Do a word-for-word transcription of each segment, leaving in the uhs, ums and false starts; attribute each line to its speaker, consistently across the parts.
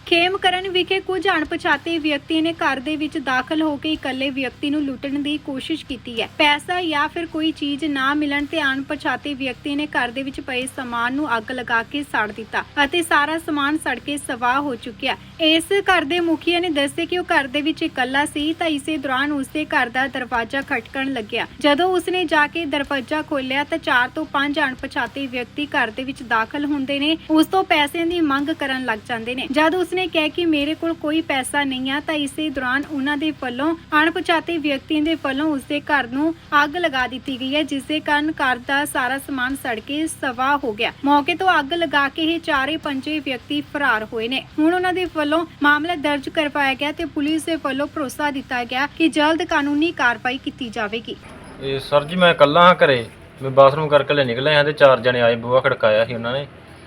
Speaker 1: ਖੇਮਕਰਨ ਵਿਖੇ ਕੁਝ ਅਣਪਛਾਤੇ ਵਿਅਕਤੀ ਨੇ ਘਰ ਦੇ ਵਿੱਚ ਦਾਖਲ ਹੋ ਕੇ ਇਕੱਲੇ ਵਿਅਕਤੀ ਨੂੰ ਲੁੱਟਣ ਦੀ ਕੋਸ਼ਿਸ਼ ਕੀਤੀ ਹੈ। ਪੈਸਾ ਜਾਂ ਫਿਰ ਕੋਈ ਚੀਜ਼ ਨਾ ਮਿਲਣ ਤੇ ਅਣਪਛਾਤੇ ਵਿਅਕਤੀ ਨੇ ਘਰ ਦੇ ਵਿੱਚ ਪਏ ਸਮਾਨ ਨੂੰ ਅੱਗ ਲਗਾ ਕੇ ਸਾੜ ਦਿੱਤਾ ਅਤੇ ਸਾਰਾ ਸਮਾਨ ਸੜ ਕੇ ਸਵਾਹ ਹੋ ਚੁੱਕਿਆ। ਇਸ ਘਰ ਦੇ ਮੁਖੀਆ ਨੇ ਦੱਸਿਆ ਕਿ ਉਹ ਘਰ ਦੇ ਵਿੱਚ ਇਕੱਲਾ ਸੀ ਤਾਂ ਇਸੇ ਦੌਰਾਨ ਉਸਦੇ ਘਰ ਦਾ ਦਰਵਾਜ਼ਾ ਖਟਕਣ ਲੱਗਿਆ। ਜਦੋਂ ਉਸਨੇ ਜਾ ਕੇ ਦਰਵਾਜ਼ਾ ਖੋਲ੍ਹਿਆ ਤਾਂ ਚਾਰ ਤੋਂ ਪੰਜ ਅਣਪਛਾਤੇ ਵਿਅਕਤੀ ਘਰ ਦੇ ਵਿੱਚ ਦਾਖਲ ਹੁੰਦੇ ਨੇ। ਉਸ ਤੋਂ ਪੈਸੇ ਦੀ ਮੰਗ ਕਰਨ ਲੱਗ ਜਾਂਦੇ ਨੇ। ਜਦ ਉਸਨੇ ਕਿਹਾ ਕਿ ਮੇਰੇ ਕੋਲ ਕੋਈ ਪੈਸਾ ਨਹੀਂ ਆ ਤਾਂ ਇਸੇ ਦੌਰਾਨ ਉਹਨਾਂ ਦੇ ਵੱਲੋਂ ਅਣਪਛਾਤੇ ਵਿਅਕਤੀਆਂ ਦੇ ਵੱਲੋਂ ਉਸਦੇ ਘਰ ਨੂੰ ਅੱਗ ਲਗਾ ਦਿੱਤੀ ਗਈ ਹੈ, ਜਿਸ ਦੇ ਕਾਰਨ ਘਰ ਦਾ ਸਾਰਾ ਸਮਾਨ ਸੜ ਕੇ ਸਵਾਹ ਹੋ ਗਿਆ। ਮੌਕੇ ਤੋਂ ਅੱਗ ਲਗਾ ਕੇ ਇਹ ਚਾਰੇ ਪੰਜੇ ਵਿਅਕਤੀ ਫਰਾਰ ਹੋਏ ਨੇ। ਹੁਣ ਉਹਨਾਂ ਦੇ ਵੱਲੋਂ ਮਾਮਲਾ ਦਰਜ ਕਰਵਾਇਆ ਗਿਆ ਤੇ ਪੁਲਿਸ ਦੇ ਵੱਲੋਂ ਭਰੋਸਾ ਦਿੱਤਾ ਗਿਆ ਕਿ ਜਲਦ ਕਾਨੂੰਨੀ ਕਾਰਵਾਈ ਕੀਤੀ ਜਾਵੇਗੀ।
Speaker 2: ਇਹ ਸਰ ਜੀ ਮੈਂ ਇਕੱਲਾ ਹਾਂ ਘਰੇ, ਮੈਂ ਬਾਥਰੂਮ ਕਰਕੇ ਲੈ ਨਿਕਲਿਆ ਹਾਂ ਤੇ ਚਾਰ ਜਣੇ ਆਏ, ਬੂਹਾ ਖੜਕਾਇਆ ਸੀ ਉਹਨਾਂ ਨੇ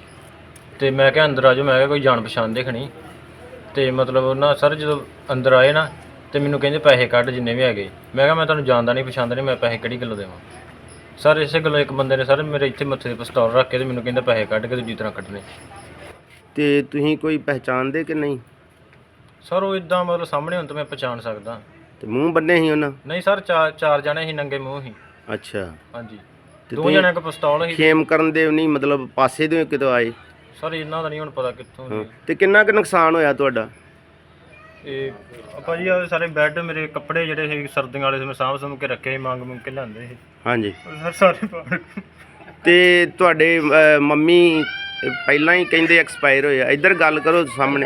Speaker 2: ਤੇ ਮੈਂ ਕਿਹਾ ਅੰਦਰ ਆ ਜਾਓ। ਮੈਂ ਕਿਹਾ ਕੋਈ ਜਾਣ ਪਛਾਣ ਦੇਖਣੀ ਤੇ ਮਤਲਬ ਉਹਨਾਂ ਸਰ ਜਦੋਂ ਅੰਦਰ ਆਏ ਨਾ ਤੇ ਮੈਨੂੰ ਕਹਿੰਦੇ ਪੈਸੇ ਕੱਢ ਜਿੰਨੇ ਵੀ ਹੈਗੇ। ਮੈਂ ਕਿਹਾ ਮੈਂ ਤੁਹਾਨੂੰ ਜਾਣਦਾ ਨਹੀਂ ਪਛਾਣਦਾ ਨਹੀਂ, ਮੈਂ ਪੈਸੇ ਕਿਹੜੀ ਗੱਲੋਂ ਦੇਵਾਂ। ਸਰ ਇਸੇ ਗੱਲੋਂ ਇੱਕ ਬੰਦੇ ਨੇ ਸਰ ਮੇਰੇ ਇੱਥੇ ਮੱਥੇ 'ਤੇ ਪਿਸਤੌਲ ਰੱਖ ਕੇ ਤੇ ਮੈਨੂੰ ਕਹਿੰਦਾ ਪੈਸੇ ਕੱਢ ਕੇ ਦੂਜੀ ਤਰ੍ਹਾਂ ਕੱਢਣੇ।
Speaker 3: ਤੇ ਤੁਸੀਂ ਕੋਈ ਪਹਿਚਾਣਦੇ ਕਿ ਨਹੀਂ?
Speaker 2: ਸਰ ਉਹ ਇਦਾਂ ਮਤਲਬ ਸਾਹਮਣੇ ਹੁਣ ਤਾਂ ਮੈਂ ਪਛਾਣ ਸਕਦਾ।
Speaker 3: ਤੇ ਮੂੰਹ ਬੰਨੇ ਸੀ ਉਹਨਾਂ?
Speaker 2: ਨਹੀਂ ਸਰ, ਚਾਰ ਚਾਰ ਜਣੇ ਸੀ, ਨੰਗੇ ਮੂੰਹ ਸੀ।
Speaker 3: ਅੱਛਾ।
Speaker 2: ਹਾਂਜੀ,
Speaker 3: ਤੇ
Speaker 2: ਦੋ ਜਣਿਆਂ ਕੋਲ ਪਿਸਤੌਲ ਸੀ।
Speaker 3: ਖੇਮ ਕਰਨ ਦੇ ਨਹੀਂ ਮਤਲਬ ਪਾਸੇ ਦੇ ਕਿਤੋਂ ਆਏ?
Speaker 2: ਸਰ ਇਹਨਾਂ ਦਾ ਨਹੀਂ ਹੁਣ ਪਤਾ ਕਿੱਥੋਂ ਸੀ।
Speaker 3: ਤੇ ਕਿੰਨਾ ਕੁ ਨੁਕਸਾਨ ਹੋਇਆ ਤੁਹਾਡਾ?
Speaker 2: ਇਹ ਆਪਾਂ ਜੀ ਆਹ ਸਾਰੇ ਬੈੱਡ, ਮੇਰੇ ਕੱਪੜੇ ਜਿਹੜੇ ਸੀ ਸਰਦੀਆਂ ਵਾਲੇ ਸੀ ਮੈਂ ਸਾਂਭ ਸਾਂਭ ਕੇ ਰੱਖੇ ਸੀ, ਮੰਗ ਮੰਗ ਕੇ ਲਿਆਂਦੇ ਸੀ।
Speaker 3: ਹਾਂਜੀ
Speaker 2: ਸਰ ਸਾਰੇ ਪਾੜ।
Speaker 3: ਤੇ ਤੁਹਾਡੇ ਅਹ, ਮੰਮੀ ਪਹਿਲਾਂ ਹੀ ਕਹਿੰਦੇ ਐਕਸਪਾਇਰ ਹੋਏ ਆ। ਇੱਧਰ ਗੱਲ ਕਰੋ ਸਾਹਮਣੇ।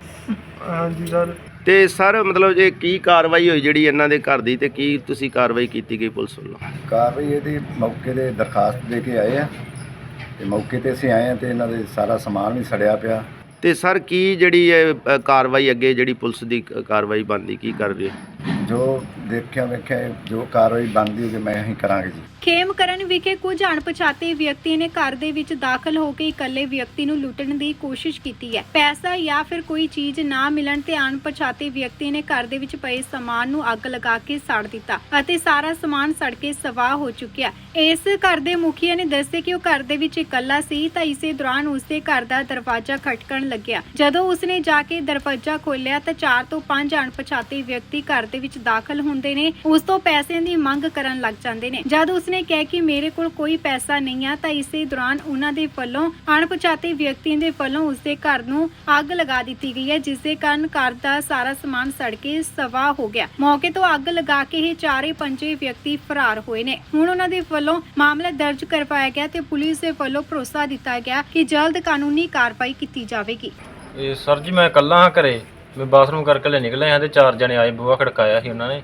Speaker 2: ਹਾਂਜੀ ਸਰ।
Speaker 3: ਤੇ ਸਰ ਮਤਲਬ ਜੇ ਕੀ ਕਾਰਵਾਈ ਹੋਈ ਜਿਹੜੀ ਇਹਨਾਂ ਦੇ ਘਰ ਦੀ, ਤੇ ਕੀ ਤੁਸੀਂ ਕਾਰਵਾਈ ਕੀਤੀ ਗਈ ਪੁਲਿਸ ਵੱਲੋਂ?
Speaker 4: ਕਾਰਵਾਈ ਇਹਦੀ ਮੌਕੇ 'ਤੇ ਦਰਖਾਸਤ ਦੇ ਕੇ ਆਏ ਆ ਤੇ ਮੌਕੇ 'ਤੇ ਅਸੀਂ ਆਏ ਆ ਤੇ ਇਹਨਾਂ ਦੇ ਸਾਰਾ ਸਮਾਨ ਵੀ ਸੜਿਆ ਪਿਆ।
Speaker 3: ਤੇ ਸਰ ਕੀ ਜਿਹੜੀ ਇਹ ਅ, ਕਾਰਵਾਈ ਅੱਗੇ ਜਿਹੜੀ ਪੁਲਿਸ ਦੀ ਕ- ਕਾਰਵਾਈ ਬਣਦੀ ਕੀ ਕਰ ਰਹੀ ਹੈ?
Speaker 4: ਜੋ ਦੇਖਿਆ ਵੇਖਿਆ ਜੋ ਕਾਰਵਾਈ ਬਣਦੀ ਹੋਵੇ ਮੈਂ ਅਸੀਂ ਕਰਾਂਗੇ ਜੀ।
Speaker 1: ਖੇਮਕਰਨ ਵਿਖੇ ਕੁਝ ਅਣਪਛਾਤੇ ਵਿਅਕਤੀ ਨੇ ਘਰ ਦੇ ਵਿੱਚ ਦਾਖਲ ਹੋ ਕੇ ਇਕੱਲੇ ਵਿਅਕਤੀ ਨੂੰ ਲੁੱਟਣ ਦੀ ਕੋਸ਼ਿਸ਼ ਕੀਤੀ ਹੈ। ਪੈਸਾ ਜਾਂ ਫਿਰ ਕੋਈ ਚੀਜ਼ ਨਾ ਮਿਲਣ ਤੇ ਅਣਪਛਾਤੇ ਵਿਅਕਤੀ ਨੇ ਘਰ ਦੇ ਵਿੱਚ ਪਏ ਸਮਾਨ ਨੂੰ ਅੱਗ ਲਗਾ ਕੇ ਸਾੜ ਦਿੱਤਾ ਅਤੇ ਸਾਰਾ ਸਮਾਨ ਸੜ ਕੇ ਸਵਾਹ ਹੋ ਚੁੱਕਿਆ। ਇਸ ਘਰ ਦੇ ਮੁਖੀਆ ਨੇ ਦੱਸਿਆ ਕਿ ਉਹ ਘਰ ਦੇ ਵਿੱਚ ਇਕੱਲਾ ਸੀ ਤਾਂ ਇਸੇ ਦੌਰਾਨ ਉਸਦੇ ਘਰ ਦਾ ਦਰਵਾਜ਼ਾ ਖਟਕਣ ਲੱਗਿਆ। ਜਦੋਂ ਉਸਨੇ ਜਾ ਕੇ ਦਰਵਾਜ਼ਾ ਖੋਲ੍ਹਿਆ ਤਾਂ ਚਾਰ ਤੋਂ ਪੰਜ ਅਣਪਛਾਤੇ ਵਿਅਕਤੀ ਘਰ ਦੇ ਵਿੱਚ ਦਾਖਲ ਹੁੰਦੇ ਨੇ। ਉਸ ਤੋਂ ਪੈਸੇ ਦੀ ਮੰਗ ਕਰਨ ਲੱਗ ਜਾਂਦੇ ਨੇ। ਜਦ ਉਸਨੇ ਕਿਹਾ ਕਿ ਮੇਰੇ ਕੋਲ ਕੋਈ ਪੈਸਾ ਨਹੀਂ ਆ ਤਾਂ ਇਸੇ ਦੌਰਾਨ ਉਹਨਾਂ ਦੇ ਵੱਲੋਂ ਅਣਪਛਾਤੇ ਵਿਅਕਤੀਆਂ ਦੇ ਵੱਲੋਂ ਉਸਦੇ ਘਰ ਨੂੰ ਅੱਗ ਲਗਾ ਦਿੱਤੀ ਗਈ ਹੈ, ਜਿਸ ਦੇ ਕਾਰਨ ਘਰ ਦਾ ਸਾਰਾ ਸਮਾਨ ਸੜ ਕੇ ਸਵਾਹ ਹੋ ਗਿਆ। ਮੌਕੇ ਤੋਂ ਅੱਗ ਲਗਾ ਕੇ ਇਹ ਚਾਰੇ ਪੰਜੇ ਵਿਅਕਤੀ ਫਰਾਰ ਹੋਏ ਨੇ। ਹੁਣ ਉਹਨਾਂ ਦੇ ਵੱਲੋਂ ਮਾਮਲਾ ਦਰਜ ਕਰਵਾਇਆ ਗਿਆ ਤੇ ਪੁਲਿਸ ਦੇ ਵੱਲੋਂ ਭਰੋਸਾ ਦਿੱਤਾ ਗਿਆ ਕਿ ਜਲਦ ਕਾਨੂੰਨੀ ਕਾਰਵਾਈ ਕੀਤੀ ਜਾਵੇਗੀ।
Speaker 2: ਇਹ ਸਰ ਜੀ ਮੈਂ ਇਕੱਲਾ ਹਾਂ ਘਰੇ, ਮੈਂ ਬਾਥਰੂਮ ਕਰਕੇ ਲੈ ਨਿਕਲਿਆ ਹਾਂ ਤੇ ਚਾਰ ਜਣੇ ਆਏ, ਬੂਹਾ ਖੜਕਾਇਆ ਸੀ ਉਹਨਾਂ ਨੇ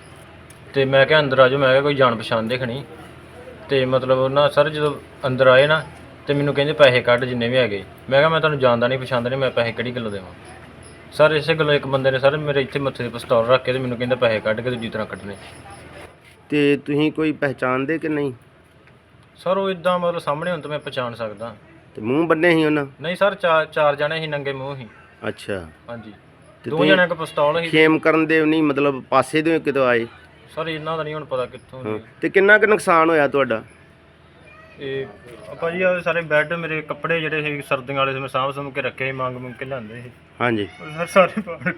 Speaker 2: ਤੇ ਮੈਂ ਕਿਹਾ ਅੰਦਰ ਆ ਜਾਓ। ਮੈਂ ਕਿਹਾ ਕੋਈ ਜਾਣ ਪਛਾਣ ਦੇਖਣੀ ਤੇ ਮਤਲਬ ਉਹਨਾਂ ਸਰ ਜਦੋਂ ਅੰਦਰ ਆਏ ਨਾ ਤੇ ਮੈਨੂੰ ਕਹਿੰਦੇ ਪੈਸੇ ਕੱਢ ਜਿੰਨੇ ਵੀ ਹੈਗੇ। ਮੈਂ ਕਿਹਾ ਮੈਂ ਤੁਹਾਨੂੰ ਜਾਣਦਾ ਨਹੀਂ ਪਛਾਣਦਾ ਨਹੀਂ, ਮੈਂ ਪੈਸੇ ਕਿਹੜੀ ਗੱਲੋਂ ਦੇਵਾਂ। ਸਰ ਇਸੇ ਗੱਲੋਂ ਇੱਕ ਬੰਦੇ ਨੇ ਸਰ ਮੇਰੇ ਇੱਥੇ ਮੱਥੇ 'ਤੇ ਪਿਸਤੌਲ ਰੱਖ ਕੇ ਤੇ ਮੈਨੂੰ ਕਹਿੰਦਾ ਪੈਸੇ ਕੱਢ ਕੇ ਦੂਜੀ ਤਰ੍ਹਾਂ ਕੱਢਣੇ।
Speaker 3: ਤੇ ਤੁਸੀਂ ਕੋਈ ਪਹਿਚਾਣਦੇ ਕਿ ਨਹੀਂ?
Speaker 2: ਸਰ ਉਹ ਇਦਾਂ ਮਤਲਬ ਸਾਹਮਣੇ ਹੁਣ ਤਾਂ ਮੈਂ ਪਛਾਣ ਸਕਦਾ।
Speaker 3: ਤੇ ਮੂੰਹ ਬੰਨੇ ਸੀ ਉਹਨਾਂ?
Speaker 2: ਨਹੀਂ ਸਰ, ਚਾਰ ਚਾਰ ਜਣੇ ਸੀ, ਨੰਗੇ ਮੂੰਹ ਸੀ।
Speaker 3: ਅੱਛਾ।
Speaker 2: ਹਾਂਜੀ,
Speaker 3: ਤੇ
Speaker 2: ਦੋ
Speaker 3: ਤੁਸੀਂ
Speaker 2: ਜਣਿਆਂ ਕੋਲ ਪਿਸਤੌਲ ਸੀ।
Speaker 3: ਖੇਮ ਕਰਨ ਦੇ ਨਹੀਂ ਮਤਲਬ ਪਾਸੇ ਦੇ ਕਿਤੋਂ ਆਏ?
Speaker 2: ਸਰ ਇਹਨਾਂ ਦਾ ਨਹੀਂ ਹੁਣ ਪਤਾ ਕਿੱਥੋਂ ਸੀ।
Speaker 3: ਤੇ ਕਿੰਨਾ ਕੁ ਨੁਕਸਾਨ ਹੋਇਆ ਤੁਹਾਡਾ?
Speaker 2: ਇਹ ਆਪਾਂ ਜੀ ਆਹ ਸਾਰੇ ਬੈੱਡ, ਮੇਰੇ ਕੱਪੜੇ ਜਿਹੜੇ ਸੀ ਸਰਦੀਆਂ ਵਾਲੇ ਸੀ ਮੈਂ ਸਾਂਭ ਸਾਂਭ ਕੇ ਰੱਖੇ ਸੀ, ਮੰਗ ਮੰਗ ਕੇ ਲਿਆਂਦੇ ਸੀ।
Speaker 3: ਹਾਂਜੀ।
Speaker 2: ਸਰ ਸਾਰੇ ਪਾੜ।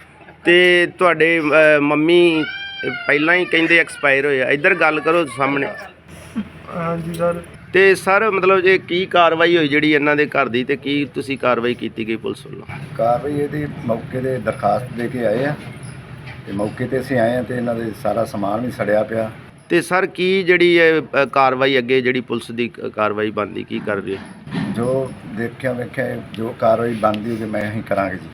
Speaker 3: ਤੇ ਤੁਹਾਡੇ ਅ, ਮੰਮੀ ਪਹਿਲਾਂ ਹੀ ਕਹਿੰਦੇ ਐਕਸਪਾਇਰ ਹੋਏ ਆ। ਇੱਧਰ ਗੱਲ ਕਰੋ ਸਾਹਮਣੇ।
Speaker 2: ਹਾਂਜੀ ਸਰ।
Speaker 3: ਤੇ ਸਰ ਮਤਲਬ ਜੇ ਕੀ ਕਾਰਵਾਈ ਹੋਈ ਜਿਹੜੀ ਇਹਨਾਂ ਦੇ ਘਰ ਦੀ, ਤੇ ਕੀ ਤੁਸੀਂ ਕਾਰਵਾਈ ਕੀਤੀ ਗਈ ਪੁਲਿਸ ਵੱਲੋਂ?
Speaker 4: ਕਾਰਵਾਈ ਇਹਦੀ ਮੌਕੇ 'ਤੇ ਦਰਖਾਸਤ ਦੇ ਕੇ ਆਏ ਆ ਤੇ ਮੌਕੇ 'ਤੇ ਅਸੀਂ ਆਏ ਆ ਤੇ ਇਹਨਾਂ ਦੇ ਸਾਰਾ ਸਮਾਨ ਵੀ ਸੜਿਆ ਪਿਆ।
Speaker 3: ਤੇ ਸਰ ਕੀ ਜਿਹੜੀ ਇਹ ਅ, ਕਾਰਵਾਈ ਅੱਗੇ ਜਿਹੜੀ ਪੁਲਿਸ ਦੀ ਕ- ਕਾਰਵਾਈ ਬਣਦੀ ਕੀ ਕਰ ਰਹੀ ਹੈ?
Speaker 4: ਜੋ ਦੇਖਿਆ ਵੇਖਿਆ ਜੋ ਕਾਰਵਾਈ ਬਣਦੀ ਹੋਵੇ ਮੈਂ ਅਸੀਂ ਕਰਾਂਗੇ ਜੀ।